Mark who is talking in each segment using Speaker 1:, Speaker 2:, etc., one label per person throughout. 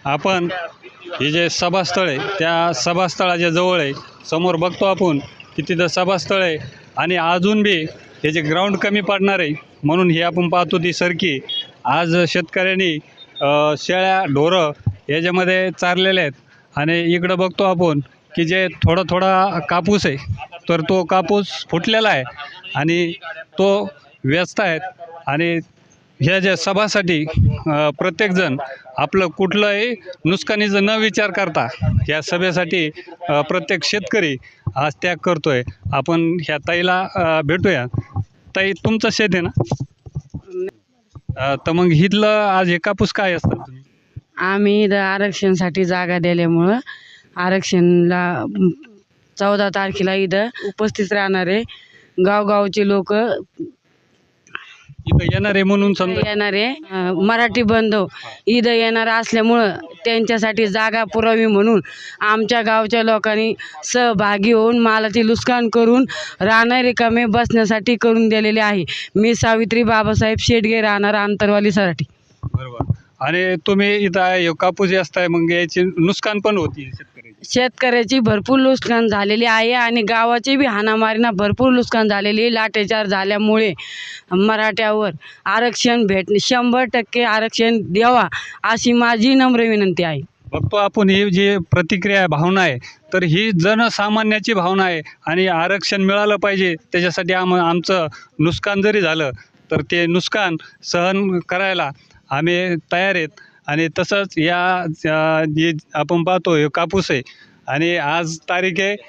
Speaker 1: आपण हे जे सभास्थळ आहे त्या सभास्थळाच्या जवळ आहे. समोर बघतो आपण की तिथं सभास्थळ आहे आणि अजून बी हे जे ग्राउंड कमी पडणार आहे म्हणून हे आपण पाहतो ती सरकी आज शेतकऱ्यांनी शेळ्या ढोरं याच्यामध्ये चारलेले आहेत. आणि इकडं बघतो आपण की जे थोडा कापूस आहे तर तो कापूस फुटलेला आहे आणि तो व्यस्त आहेत. आणि ह्या ज्या सभासाठी प्रत्येकजण आपलं कुठलंही नुकसानीचं न विचार करता ह्या सभेसाठी प्रत्येक शेतकरी आज त्याग करतोय. आपण ह्या ताईला भेटूया. ताई, तुमचं शेत आहे ना? तर मग इथलं आज हे कापूस काय असतं?
Speaker 2: आम्ही इथं आरक्षणासाठी जागा दिल्यामुळं आरक्षणला 14 तारखेला इथं उपस्थित राहणारे गावगावचे लोक
Speaker 1: इथं येणार आहे म्हणून समजा
Speaker 2: येणारे मराठी बांधव इथं येणार असल्यामुळं त्यांच्यासाठी जागा पुरावी म्हणून आमच्या गावच्या लोकांनी सहभागी होऊन मालाचे नुकसान करून राहणार रिकामे बसण्यासाठी करून दिलेले आहे. मी सावित्री बाबासाहेब शेटगे, राहणार आंतरवाली सराठी.
Speaker 1: बरोबर. आणि तुम्ही इथं कापूस जास्त आहे मग याची नुकसान पण होती
Speaker 2: शेतकऱ्याची भरपूर नुकसान झालेली आहे आणि गावाची बी हाणामारीना भरपूर नुकसान झालेली. लाठीचार झाल्यामुळे मराठ्यावर आरक्षण 100% आरक्षण द्यावा अशी माझी नम्र विनंती आहे.
Speaker 1: बघतो आपण ही जी प्रतिक्रिया भावना आहे तर ही जनसामान्याची भावना आहे आणि आरक्षण मिळालं पाहिजे. त्याच्यासाठी आमचं नुकसान जरी झालं तर ते नुकसान सहन करायला आम्ही तयार आहेत. आणि तसंच जे आपण पाहतो हे कापूस आहे आणि आज तारीख आहे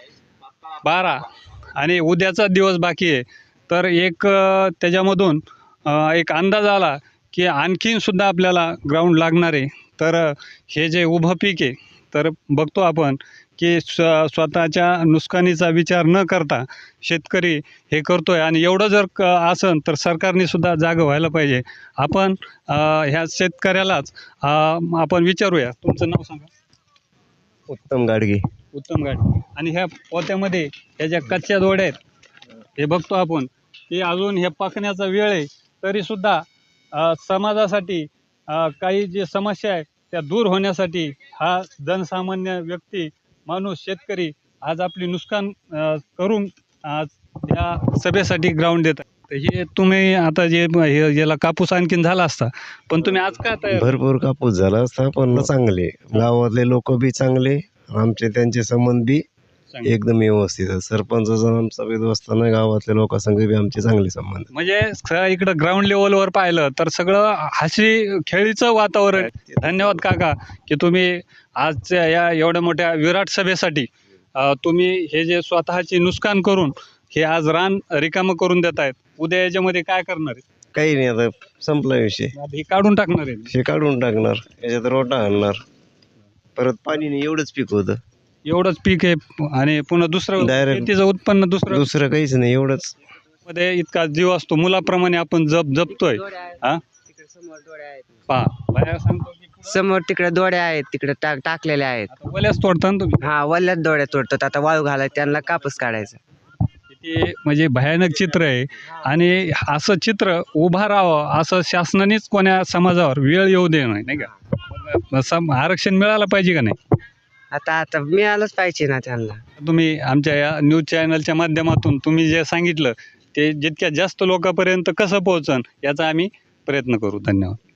Speaker 1: 12 आणि उद्याचा दिवस बाकी आहे. तर एक त्याच्यामधून एक अंदाज आला की आणखीनसुद्धा आपल्याला ग्राउंड लागणार आहे. तर हे जे उभं पीक आहे तर बघतो आपण की स्वतःच्या नुकसानीचा विचार न करता शेतकरी हे करतो आहे. आणि एवढं जर असन तर सरकारने सुद्धा जागं व्हायला पाहिजे. आपण ह्या शेतकऱ्यालाच आपण विचारूया. तुमचं नाव सांगा.
Speaker 3: उत्तम गाडगे.
Speaker 1: उत्तम गाडगे. आणि ह्या पोत्यामध्ये ह्या ज्या कच्च्या दोड्या आहेत हे बघतो आपण की अजून हे पाकण्याचा वेळ आहे तरीसुद्धा समाजासाठी काही जे समस्या आहे त्या दूर होण्यासाठी हा जनसामान्य व्यक्ती माणूस शेतकरी आज आपली नुकसान करून आज या सभेसाठी ग्राउंड देत आहे. तर हे तुम्ही आता जे याला कापूस आणखीन झाला असता पण तुम्ही आज का तयार?
Speaker 3: भरपूर कापूस झाला असता पण चांगले गावातले लोक बी चांगले, आमचे त्यांचे संबंध बी एकदम व्यवस्थित आहे. सरपंचाचा आमचा व्यवस्था गावातल्या लोकांसंग बी आमचे चांगले संबंध.
Speaker 1: म्हणजे इकडं ग्राउंड लेवलवर पाहिलं तर सगळं हसी खेळीचं वातावरण. धन्यवाद काका की तुम्ही आजच्या या एवढ्या मोठ्या विराट सभेसाठी तुम्ही हे जे स्वतःची नुकसान करून हे आज रान रिकामं करून देत आहेत. उद्या याच्यामध्ये काय करणार आहे?
Speaker 3: काही नाही, आता संपला विषय.
Speaker 1: हे काढून टाकणार आहे.
Speaker 3: हे काढून टाकणार, याच्यात रोटा आणणार, परत पाणी नाही. एवढंच पीक होतं,
Speaker 1: एवढंच पीक आहे आणि पुन्हा दुसरं
Speaker 3: Direct.
Speaker 1: शेतीचं उत्पन्न
Speaker 3: दुसरं काहीच नाही. एवढंच
Speaker 1: मध्ये इतका जीव असतो मुलाप्रमाणे आपण जपतोय. हा पहा बाया सांगतो की
Speaker 4: समोर तिकडे दोड्या आहेत, तिकडे टाकलेल्या आहेत.
Speaker 1: आता वल्यास तोडता ना तुम्ही.
Speaker 4: हा, वल्ल्यात दोड्या तोडतात. आता वाळू घालायला त्यांना कापूस काढायचा.
Speaker 1: किती म्हणजे भयानक चित्र आहे. आणि असं चित्र उभा राहावं असं शासनानेच कोण्या समाजावर वेळ येऊ दे नाही का? आरक्षण मिळालं पाहिजे का नाही?
Speaker 4: आता मिळालंच पाहिजे ना त्यांना.
Speaker 1: तुम्ही आमच्या या न्यूज चॅनलच्या माध्यमातून तुम्ही जे सांगितलं ते जितक्या जास्त लोकांपर्यंत कसं पोहोचन याचा आम्ही प्रयत्न करू. धन्यवाद.